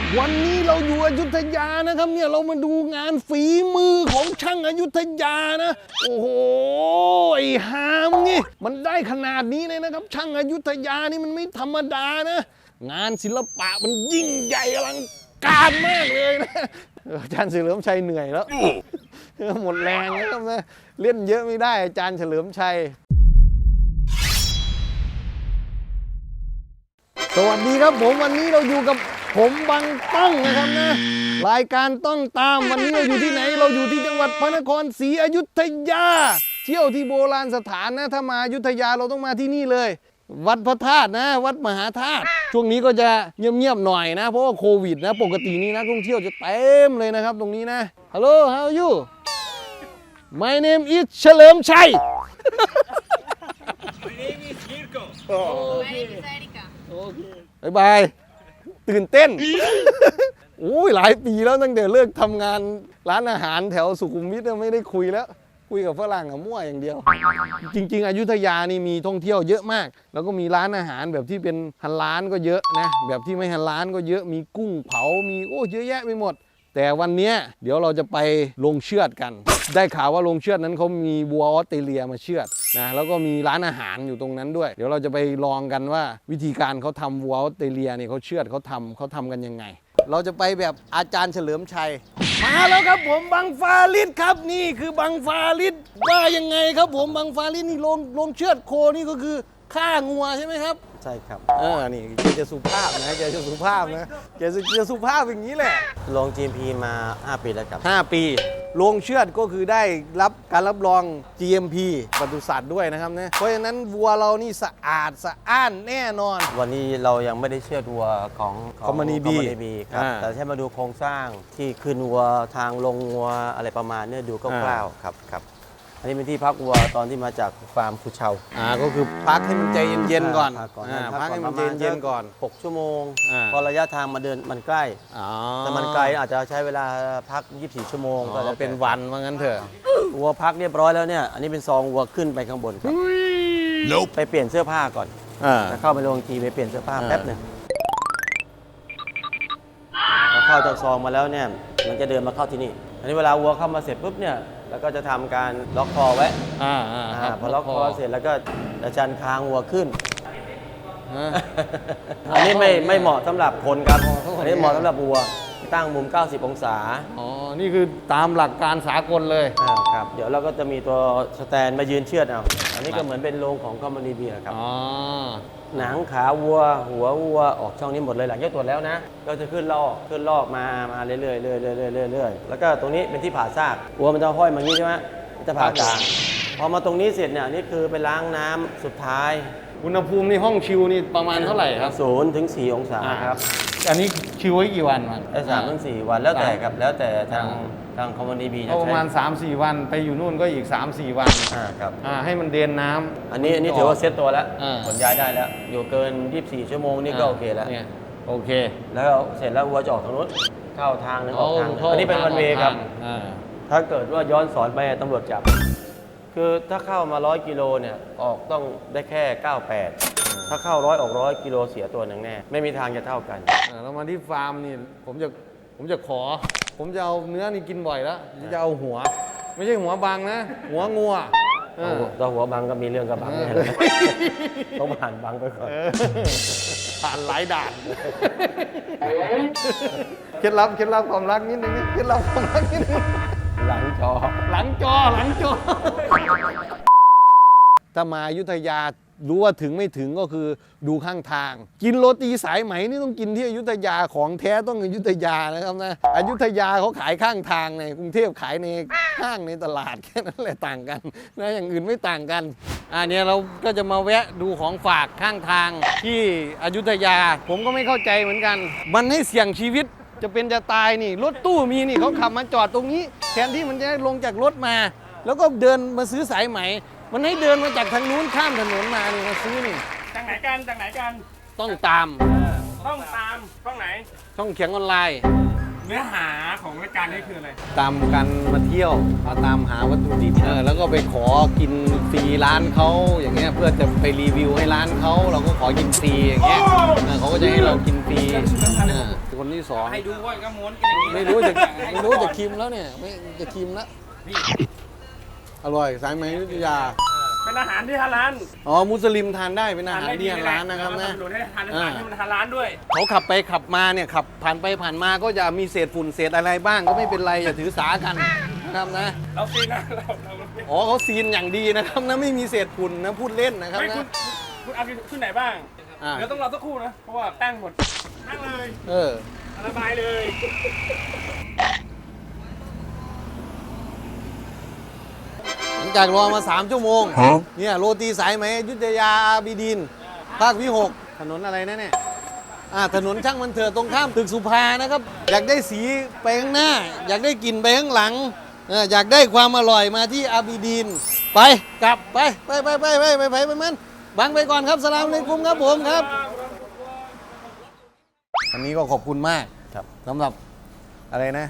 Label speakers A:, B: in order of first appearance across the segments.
A: วันนี้เราอยู่อยุธยานะครับเนี่ยเรามาดูงานฝีมือของช่างอยุธยานะโอ้โหไอ้หามนี่มันได้ขนาดนี้เลยนะครับช่างอยุธยานี่มันไม่ธรรมดานะงานศิลปะมันยิ่งใหญ่อลังการมากเลยนะอาจารย์เฉลิมชัยเหนื่อยแล้วหมดแรงแล้วนะเล่นเยอะไม่ได้อาจารย์เฉลิมชัยสวัสดีครับผมวันนี้เราอยู่กับผมบังต้องนะครับนะรายการต้องตามวันนี้เราอยู่ที่ไหนเราอยู่ที่จังหวัดพระนครศรีอยุธยาเที่ยวที่โบราณสถานนะถ้ามาอยุธยาเราต้องมาที่นี่เลยวัดพระธาตุนะวัดมหาธาตุช่วงนี้ก็จะเงียบๆหน่อยนะเพราะว่าโควิดนะปกตินี้นักท่องเที่ยวจะเต็มเลยนะครับตรงนี้นะ Hello how are you My name is เฉลิมชัย
B: My name is Mirko.
C: My name is Erika.
A: บายบายตื่นเต้น โอ้ยหลายปีแล้วตั้งแต่เลิกทำงานร้านอาหารแถวสุขุมวิทไม่ได้คุยแล้วคุยกับฝรั่งมั่วอย่างเดียว จริงๆอยุธยานี่มีท่องเที่ยวเยอะมากแล้วก็มีร้านอาหารแบบที่เป็นฮันร้านก็เยอะนะแบบที่ไม่ฮันร้านก็เยอะมีกุ้งเผามีเยอะแยะไปหมดแต่วันนี้เดี๋ยวเราจะไปลงเชือดกันได้ข่าวว่าลงเชือดนั้นเขามีวัวออสเตรเลียมาเชือดนะแล้วก็มีร้านอาหารอยู่ตรงนั้นด้วยเดี๋ยวเราจะไปลองกันว่าวิธีการเขาทำวัวออสเตรเลียเนี่ยเขาเชือดเขาทำกันยังไงเราจะไปแบบอาจารย์เฉลิมชัยมาแล้วครับผมบังฟาริดครับนี่คือบังฟาริดว่ายังไงครับผมบังฟาริดนี่ลงเชือดโคนี่ก็คือฆ่างัวใช่ไหมครับ
D: ใช่ครับ
A: นี่แกจะสุภาพนะแกจะสุภาพนะแกจะสุภาพอย่างนี้แหละ
D: ลง GMP มา 5 ปีแล้วครับ
A: 5 ปีโรงเชือดก็คือได้รับการรับรอง GMP ปศุสัตว์ด้วยนะครับนะเพราะฉะนั้นวัวเรานี่สะอาดสะอ้านแน่นอน
D: วันนี้เรายังไม่ได้เชือดวัวของ
A: Company B
D: ครับแต่แค่มาดูโครงสร้างที่คืนวัวทางลงวัวอะไรประมาณนี้ดูคร่าวๆครับอันนี้เป็นที่พักวัวตอนที่มาจากฟาร์มคุเชา
A: ก็คือพักให้มันใจเย็นๆก่อน
D: พัก
A: ให้มันใจเย็นๆก่อน
D: 6 ชั่วโมงพอระยะทางมาเดินมันใกล้แต่มันไกลอาจจะใช้เวลาพัก24 ชั่วโมง
A: ก็เป็นวันว่างั้นเถอะ
D: วัวพักเรียบร้อยแล้วเนี่ยอันนี้เป็นซองวัวขึ้นไปข้างบนครับไปเปลี่ยนเสื้อผ้าก่อนเข้าไปโรงทีไปเปลี่ยนเสื้อผ้าแป๊บหนึ่งพอเข้าจากซองมาแล้วเนี่ยมันจะเดินมาเข้าที่นี่อันนี้เวลาวัวเข้ามาเสร็จปุ๊บเนี่ยแล้วก็จะทำการล็อกคอไว้พอล็อกคอเสร็จแล้วก็จะชันคางวัวขึ้นอันนี้ไม่เหมาะสำหรับคนครับอันนี้เหมาะสำหรับวัวตั้งมุม90 องศา
A: นี่คือตามหลักการสากลเลย
D: ครับเดี๋ยวเราก็จะมีตัวสแตนมายืนเชือดเอาอันนี้ก็เหมือนเป็นโรงของCompany Bครับหนังขาวัวหัววัวออกช่องนี้หมดเลยหลังจากตรวจแล้วนะก็จะขึ้นลอกมาเรื่อยๆแล้วก็ตรงนี้เป็นที่ผ่าซากวัวมันจะห้อยมางี้ใช่ไหมจะผ่ากลางพอมาตรงนี้เสร็จเนี่ยนี่คือไปล้างน้ำสุดท้าย
A: อุณหภูมิในห้องชิลนี่ประมาณเท่าไหร่ครับ
D: 0 ถึง 4 องศาครับ
A: อันนี้ชิลไว้กี่วันมัน
D: 3 ถึง 4 วันแล้วแต่ครับแล้วแต่ทางCompany Bจะใช้
A: ประมาณ 3-4 วันไปอยู่นู่นก็อีก 3-4 วัน
D: ครับ
A: ให้มันเดนน้ำ
D: อันนี้ถือว่าเซ็ตตัวแล้วขนย้ายได้แล้วอยู่เกิน24 ชั่วโมงนี่ก็โอเคแล้ว
A: โอเค
D: แล้วเสร็จแล้ววัวจะออกทางนู้นเข้าทางนึงออกทางอันนี้เป็นวันเวย์ครับถ้าเกิดว่าย้อนสอนไปตำรวจจับคือถ้าเข้ามา100 กิโลเนี่ยออกต้องได้แค่98ถ้าเข้า100ออก100 กิโลเสียตัวหนึ่งแน่ไม่มีทางจะเท่ากัน
A: เรามาที่ฟาร์มนี่ผมจะเอาเนื้อนี่กินบ่อยแล้วจะเอาหัวไม่ใช่หัวบังนะหัวงัว
D: ถ้าหัวบังก็มีเรื่องกับบังเนี่ยต้องผ่านบังไปก่อน
A: ผ่านหลายด่านเคล็ดลับความรักนิดนึงเคล็ดลับความรักนิดนึง
D: หลังจอ
A: ถ้ามาอยุธยารู้ว่าถึงไม่ถึงก็คือดูข้างทางกินโรตีสายไหมนี่ต้องกินที่อยุธยาของแท้ต้องอยุธยานะครับนะอยุธยาเขาขายข้างทางในกรุงเทพขายในห้างในตลาดแค่นั้นแหละต่างกันนะอย่างอื่นไม่ต่างกันเนี่ยเราก็จะมาแวะดูของฝากข้างทางที่อยุธยาผมก็ไม่เข้าใจเหมือนกันมันให้เสี่ยงชีวิตจะเป็นจะตายนี่รถตู้มีนี่เขาขับมาจอดตรงนี้แทนที่มันจะลงจากรถมาแล้วก็เดินมาซื้อสายไหมมันให้เดินมาจากทางนู้นข้ามถนนมานี่มาซื้อนี่
B: จากไหนกัน
A: ต้องตาม
B: ช่องไหน
A: ช่องเขียงออนไลน์
B: เนื้อหาของรายการนี้คืออะไร
A: ตามกันมาเที่ยวมาตามหาวัตถุดิบแล้วก็ไปขอกินฟรีร้านเขาอย่างเงี้ยเพื่อจะไปรีวิวให้ร้านเขาเราก็ขอกินฟรีอย่างเงี้ยเขาก็จะให้เรากินฟรีคนที่สอง
B: ให้ดูว่าก็ม้วนกันอย่างนี้
A: ไม่รู้จะคิมแล้วเนี่ยไม่จะคิมแล้วอร่อยสายไหมอยุธยา
B: เป็นอาหารที่ฮาลาล
A: อ๋อมุสลิมทานได้เป็นอาหารที่ร้านนะครับนะ
B: หนุนให้ทานอาหารที่มันฮาลาลด้วย
A: เขาขับไปขับมาเนี่ยขับผ่านไปผ่านมาก็จะมีเศษฝุ่นเศษอะไรบ้างก็ไม่เป็นไรอย่าถือสากันนะครับนะ
B: เราซีนะเรา
A: อ๋อเขาซีนอย่างดีนะครับนะไม่มีเศษฝุ่นนะพูดเล่นนะครับ
B: ไม่
A: นะ
B: คุณเอาขึ้นไหนบ้าง
A: อ่า
B: เดี๋ยวต้องรอสักครู่นะ เพราะว่าแป้งหมดนั่งเลย ระบายเลย
A: หลังจากรอมา3 ชั่วโมงเนี่ยโรตีสายไหมอยุธยาอาบิดินภาควิ 6ถนนอะไรนะเนี่ยถนนช่างมันเถิดตรงข้ามตึกสุภานะครับอยากได้สีไปข้างหน้า อยากได้กลิ่นไปข้างหลังอยากได้ความอร่อยมาที่อาบิดินไปกลับไปมันบังไปก่อนครับสลามอะลัยกุมครับผมครับอันนี้ก็ขอบคุณมาก
D: ครับ
A: สำหรับอะไรนะ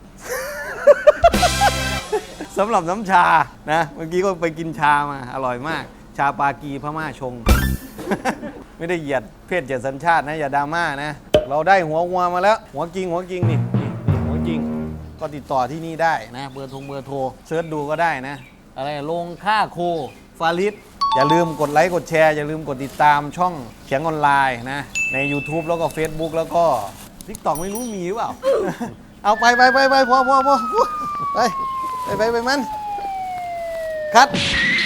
A: สำหรับน้ำชานะเมื่อกี้ก็ไปกินชามาอร่อยมาก ชาปากีพม่าชง ไม่ได้เหยียดเพศเหยียดสัญชาตินะอย่าดราม่านะ เราได้หัวงัวมาแล้ว หัวกิ่งนี่หัวกิ่งก็ติดต่อที่นี่ได้นะเบอร์โทรเซิร์ชดูก็ได้นะ อะไรลงค่าโคฟาริสอย่าลืมกดไลค์กดแชร์อย่าลืมกดติดตามช่องเขียงออนไลน์นะใน YouTube แล้วก็ Facebook แล้วก็ TikTok ไม่รู้มีหรือเปล่า เอาไปพอไปมันคัด